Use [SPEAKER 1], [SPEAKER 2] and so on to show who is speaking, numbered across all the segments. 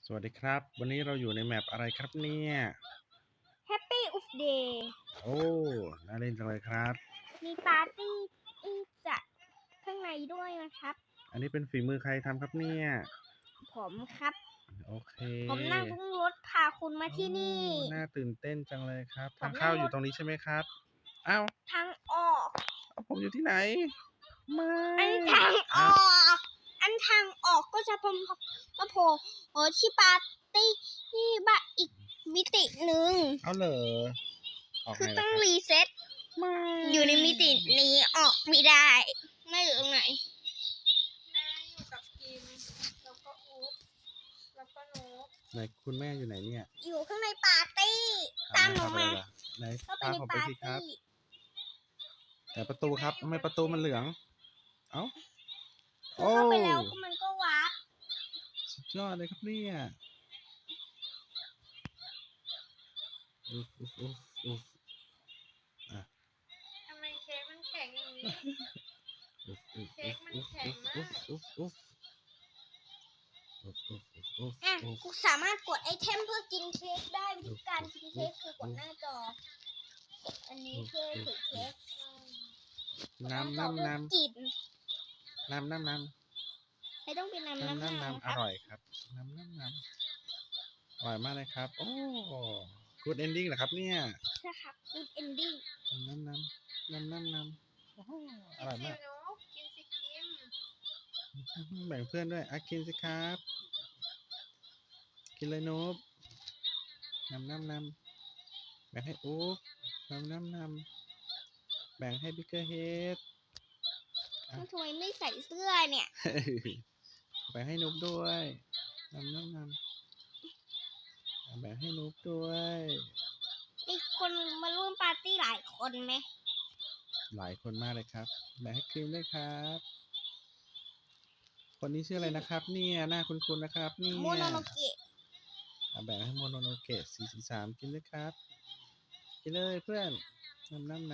[SPEAKER 1] สวัสดีครับวันนี้เราอยู่ในแมปอะไรครับเนี่ย
[SPEAKER 2] Happy of Day
[SPEAKER 1] โอ้น่าเล่นจังเลยครับ
[SPEAKER 2] มีปาร์ตี้จัดข้างในด้วยนะครับ
[SPEAKER 1] อันนี้เป็นฝีมือใครทำครับเนี่ย
[SPEAKER 2] ผมครับ
[SPEAKER 1] โอเค
[SPEAKER 2] ผมนั่งรถพาคุณมาที่นี่
[SPEAKER 1] น่าตื่นเต้นจังเลยครับ
[SPEAKER 2] ผม
[SPEAKER 1] ทางเข้าอยู่ตรงนี้ใช่ไหมครับอ้าว
[SPEAKER 2] ทางออก
[SPEAKER 1] ผมอยู่ที่ไหนไม่
[SPEAKER 2] อันทางออก อันทางออกก็จะเป็นมาโผล่ที่ปาร์ตี้ที่บ้านอีกมิติหนึ่ง
[SPEAKER 1] เอาเหรอออก
[SPEAKER 2] คือ
[SPEAKER 1] ไงล่ะ
[SPEAKER 2] ต้อ
[SPEAKER 1] ค
[SPEAKER 2] ง
[SPEAKER 1] รับ
[SPEAKER 2] รีเซ็ต
[SPEAKER 1] ไม่
[SPEAKER 2] อยู่ในมิตินี้ออกไม่ได้ ไม่อยู่ตรงไหน
[SPEAKER 3] อยู่กับกิมแล้วก็อุ๊บแล้วก็โนบ
[SPEAKER 1] ไหนคุณแม่อยู่ไหนเนี่ย
[SPEAKER 2] อยู่ข้างในปาร์ตี้ ตามหนูมา
[SPEAKER 1] ไหน
[SPEAKER 2] เข้าไป
[SPEAKER 1] ตาม
[SPEAKER 2] ใน
[SPEAKER 1] ผมไป
[SPEAKER 2] ปาร์
[SPEAKER 1] สิครับ
[SPEAKER 2] ตี้
[SPEAKER 1] แต่ประตูครับทำไมประตูมันเหลืองเอ้า
[SPEAKER 2] คือเข้าไปแล้วมันก็วาร์ป
[SPEAKER 1] สุดยอดเลยครับเนี่ยอุ๊ฟอ่ะ
[SPEAKER 3] ทำไมเค้กมันแข็งอย่างนี้ เค้กมันแข็งมาก
[SPEAKER 2] อ่ะกูสามารถกดไอเทมเพื่อกินเค้กได้วิธีการกินเค้กคือกดหน้าจอ อันนี้เพื่อถือเค้ก
[SPEAKER 1] น้ำ
[SPEAKER 2] กดหาจอเพื่อกิน
[SPEAKER 1] น้ำ
[SPEAKER 2] ไม่ต้องเป็นน้ำ
[SPEAKER 1] อร่อยครับน้ำอร่อยมากเลยครับโอ้กูดเอนดิ้งเหรอครับเนี่ย
[SPEAKER 2] ใช่ครับ good ending
[SPEAKER 1] น้ำโอ้โหอร่อยมาก
[SPEAKER 3] กินสิโนบกินสิกิม
[SPEAKER 1] แบ่งเพื่อนด้วยกินสิครับกินเลยนูบน้ำแบ่งให้อุ๊บน้ำแบ่งให้บิ๊กเกอร์เฮด
[SPEAKER 2] ทำไมไม่ใส่เสื้อเนี่ย
[SPEAKER 1] แบ่งให้นุ๊กด้วยน้ำแบ่งให้นุ๊กด้วย
[SPEAKER 2] มีคนมาร่วมปาร์ตี้หลายคนไหม
[SPEAKER 1] หลายคนมากเลยครับแบ่งให้ครีมด้วยครับ คนนี้ชื่ออะไรนะครับเนี่ยหน้าคุ้นๆนะครับเนี่ย
[SPEAKER 2] โมโนโนเกะ
[SPEAKER 1] แบ่งให้โมโนโนเกะ443กินด้วยครับกินเลยเพื่อนน้ำ
[SPEAKER 3] อะไร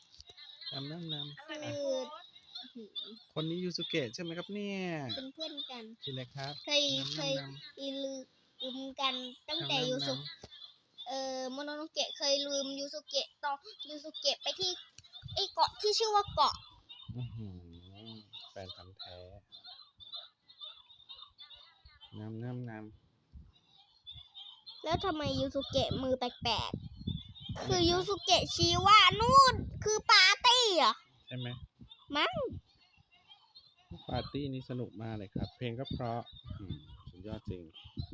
[SPEAKER 2] คื
[SPEAKER 3] ไม่
[SPEAKER 2] อ
[SPEAKER 3] พูด
[SPEAKER 1] คนนี้ยูสุเกะใช่ไหมครับเนี่ย
[SPEAKER 2] เป็นเพื่อนกัน
[SPEAKER 1] กินเลยครับ
[SPEAKER 2] เคยลืมกันตั้งแต่ยูสุโมโนโนเกะเคยลืมยูสุเกะตอนยูสุเกะไปที่ไอเกาะที่ชื่อว่าเกาะ
[SPEAKER 1] อื้อหือแฟนพันธุ์แท้น้ำ
[SPEAKER 2] แล้วทำไมยูสุเกะมือแปลกๆ คือยูสุเกะชี้ว่านู่นคือปาร์ตี้เหรอ
[SPEAKER 1] ใช่ไหม
[SPEAKER 2] มั้ง
[SPEAKER 1] ปาร์ตี้นี้สนุกมากเลยครับ เพลงก็เพราะสุดยอดจริง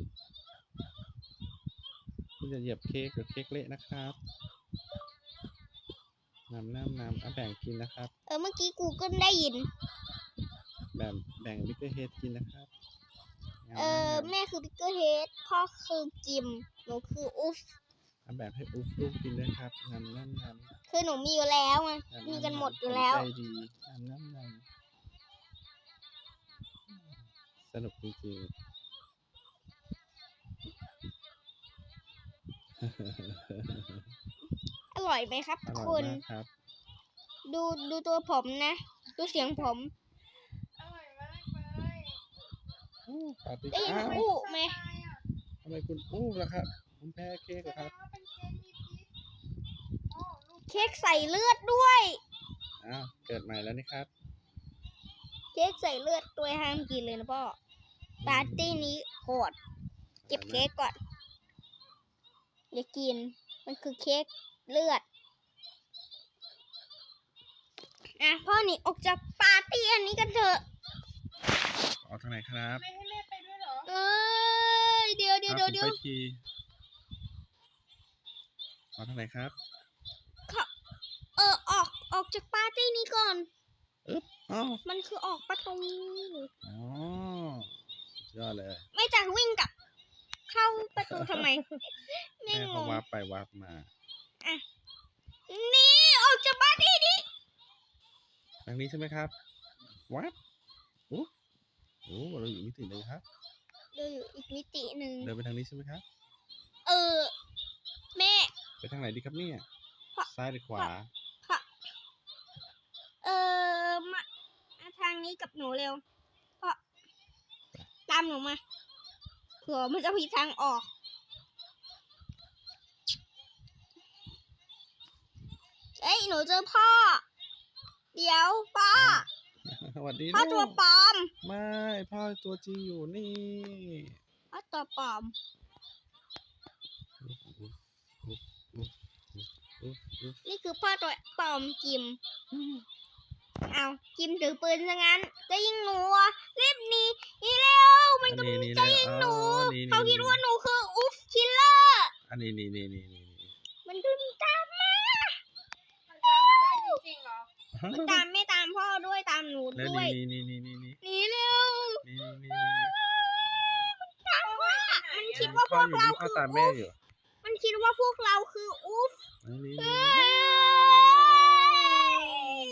[SPEAKER 1] คุณจะเหยียบเค้กหรือเค้กเละนะครับน้ำแบ่งกินนะครับ
[SPEAKER 2] เมื่อกี้กูก็ได้ยิน
[SPEAKER 1] แบ่งบิ๊กเกอร์เฮดกินนะครับ
[SPEAKER 2] แม่คือพิกเกอร์เฮดพ่อคือกิม หนูคืออุฟ
[SPEAKER 1] แบ่งให้อุ๊บลูกกินด้วยครับน้ำ
[SPEAKER 2] คือหนูมีอยู่แล้วไงมีกันหมดอยู่แล้ว
[SPEAKER 1] ใจดีน้ำสนุกจริงๆ
[SPEAKER 2] อร่อยไหมครับ
[SPEAKER 1] อร่อ
[SPEAKER 2] คุ
[SPEAKER 1] ย
[SPEAKER 2] ณ
[SPEAKER 1] มากครับ
[SPEAKER 2] ดูตัวผมนะ ดูเสียงผม
[SPEAKER 3] อร่อยมากเลย
[SPEAKER 1] ปาร์ตี้
[SPEAKER 2] ได้ยิน
[SPEAKER 1] อ้าว
[SPEAKER 2] อู้ไหม
[SPEAKER 1] ทำไมคุณอู้ล่ะครับคุณแพ้เค้ก
[SPEAKER 3] แส
[SPEAKER 1] เหรอ
[SPEAKER 3] ด
[SPEAKER 1] ครับ
[SPEAKER 3] งว่าเป็นเค้กมีพิษโอ้ลูก
[SPEAKER 2] เค้กใส่เลือดด้วย
[SPEAKER 1] อ้าวเกิดใหม่แล้วนี่ครับ
[SPEAKER 2] เค้กใส่เลือดตัวห้ามกินเลยนะพ่อ ปาร์ตี้นี้โหด เก็บเค้กก่อน อย่ากิน มันคือเค้กเลือด พ่อหนีออกจากปาร์ตี้อันนี้กันเถอะ
[SPEAKER 1] ออกทางไหนครับ
[SPEAKER 3] ไม่ให้แม่ไปด้วยเหรอ
[SPEAKER 2] เอ้ย เดี๋ยว
[SPEAKER 1] ผมไปทีออกทางไหนครับ
[SPEAKER 2] ออกจากปาร์ตี้นี้ก่อน
[SPEAKER 1] อ้าว
[SPEAKER 2] มันคือออกประตู
[SPEAKER 1] อ๋อสุดยอดเลย
[SPEAKER 2] ไม่จากวิ่งกลับ เข้าประตูทำไม ไม่
[SPEAKER 1] แม่
[SPEAKER 2] ง
[SPEAKER 1] เขา
[SPEAKER 2] ง
[SPEAKER 1] วาร์ปไปวาร์ปมา
[SPEAKER 2] นี่ออกจากปาร์ตี้นี้
[SPEAKER 1] ทางนี้ใช่ไหมครับวาร์ปโอ้เราอยู่มิติเลยครับ
[SPEAKER 2] เดินอยู่อีกมิติหนึ่ง
[SPEAKER 1] เดินไปทางนี้ใช่ไหมครับ
[SPEAKER 2] แม่
[SPEAKER 1] ไปทางไหนดีครับเนี่ย ซ้ายหรือขวา
[SPEAKER 2] มาทางนี้กับหนูเร็วเพราะตามหนูมาเผื่อมันจะมีทางออก เอ้ยหนูเจอพ่อ เดี๋ยวพ่อ
[SPEAKER 1] สวัสดี
[SPEAKER 2] พ่อ
[SPEAKER 1] ลู
[SPEAKER 2] ตัว
[SPEAKER 1] ก
[SPEAKER 2] ปลอม
[SPEAKER 1] ไม่พ่อตัวจริงอยู่นี่
[SPEAKER 2] พ่อตัวปลอม นี่คือพ่อตัวปลอมกิม เอากิมถือปืนซะงั้น จะยิงหนูอ่ะรีบหนีเร็ว มันกำลังจะยิงหนู เขาคิดว่าหนูคืออุ๊ฟคิลเลอร์
[SPEAKER 1] อันนี้นี่
[SPEAKER 2] มันดึงตามมา
[SPEAKER 3] มันจำไม่ได้จริงๆเหรอ
[SPEAKER 2] มันตามไม่ตามพ่อด้วยตามหนู
[SPEAKER 1] แล้ว
[SPEAKER 2] ด้วย
[SPEAKER 1] นี่
[SPEAKER 2] หนีเร็ว ตามว่ามันคิดว่าพ
[SPEAKER 1] พ่อ
[SPEAKER 2] วก
[SPEAKER 1] อยู่
[SPEAKER 2] เรา
[SPEAKER 1] ที่พ่อ
[SPEAKER 2] คือ
[SPEAKER 1] ตามแม่
[SPEAKER 2] อุ๊ฟ
[SPEAKER 1] อยู่
[SPEAKER 2] มันคิดว่าพวกเราคืออุ๊ฟ
[SPEAKER 1] นี่
[SPEAKER 2] เอ้ย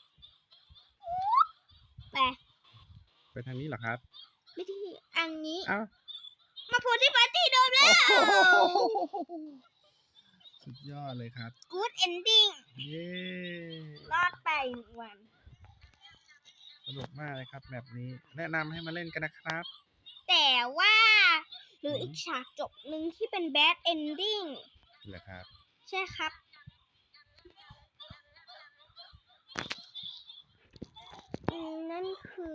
[SPEAKER 2] ไป
[SPEAKER 1] ไปทางนี้เหรอครับ
[SPEAKER 2] ไม่ที่อันนี้
[SPEAKER 1] อ้าว
[SPEAKER 2] มาโพสที่ปาร์ตี้เดิมแล้ว
[SPEAKER 1] สุดยอดเลยครับ
[SPEAKER 2] Good ending
[SPEAKER 1] เย้
[SPEAKER 2] รอดไป1 วัน
[SPEAKER 1] สนุกมากเลยครับแบบนี้ แนะนำให้มาเล่นกันนะครับ
[SPEAKER 2] แต่ว่าหรืออีกฉากจบหนึ่งที่เป็น bad ending
[SPEAKER 1] เหรอครับ
[SPEAKER 2] ใช่ครับ นั่นคือ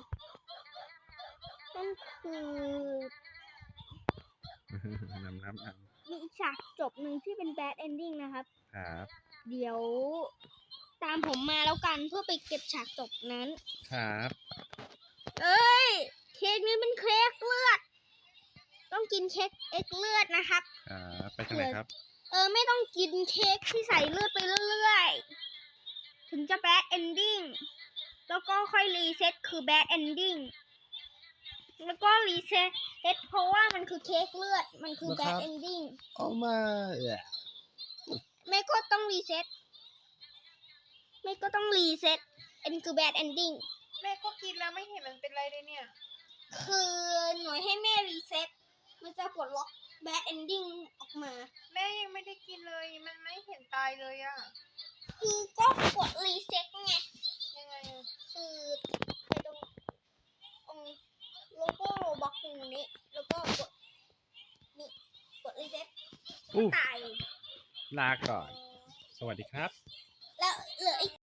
[SPEAKER 1] น้ำ
[SPEAKER 2] มีอีกฉากจบหนึ่งที่เป็น bad ending นะครับ
[SPEAKER 1] ครับ
[SPEAKER 2] เดี๋ยวตามผมมาแล้วกันเพื่อไปเก็บฉากจบนั้น
[SPEAKER 1] ครับ
[SPEAKER 2] เอ้ย เค้กนี้เป็นเค้กเลือด ต้องกินเค้กเอ็กเลือดนะครับ
[SPEAKER 1] ครับไปทางไหนครับ
[SPEAKER 2] ไม่ต้องกินเค้กที่ใส่เลือดไปเรื่อยๆ ถึงจะ bad ending แล้วก็ค่อยรีเซ็ตคือ bad ending แล้วก็รีเซ็ตเพราะว่ามันคือเค้กเลือด มันคือ
[SPEAKER 1] นะครับ
[SPEAKER 2] bad ending
[SPEAKER 1] เอามาเอ่อ
[SPEAKER 2] ไม่ก็ต้องรีเซ็ตอันคือ bad ending
[SPEAKER 3] แม่ก็กินแล้วไม่เห็นมันเป็นไรเลยเนี่ย
[SPEAKER 2] คือหน่วยให้แม่รีเซ็ตมันจะปลดล็อก bad ending ออกมา
[SPEAKER 3] แม่ยังไม่ได้กินเลย มันไม่เห็นตายเลยอะ
[SPEAKER 2] คือก็กดรีเซ็ตไง
[SPEAKER 3] ยังไงอะ
[SPEAKER 2] คือไปตรงโลโก้โรบ็อกตรงนี้ แล้วก็กดรีเซ็ต
[SPEAKER 1] อุ๊ย
[SPEAKER 2] ตาย
[SPEAKER 1] ลาก่อน สวัสดีครับ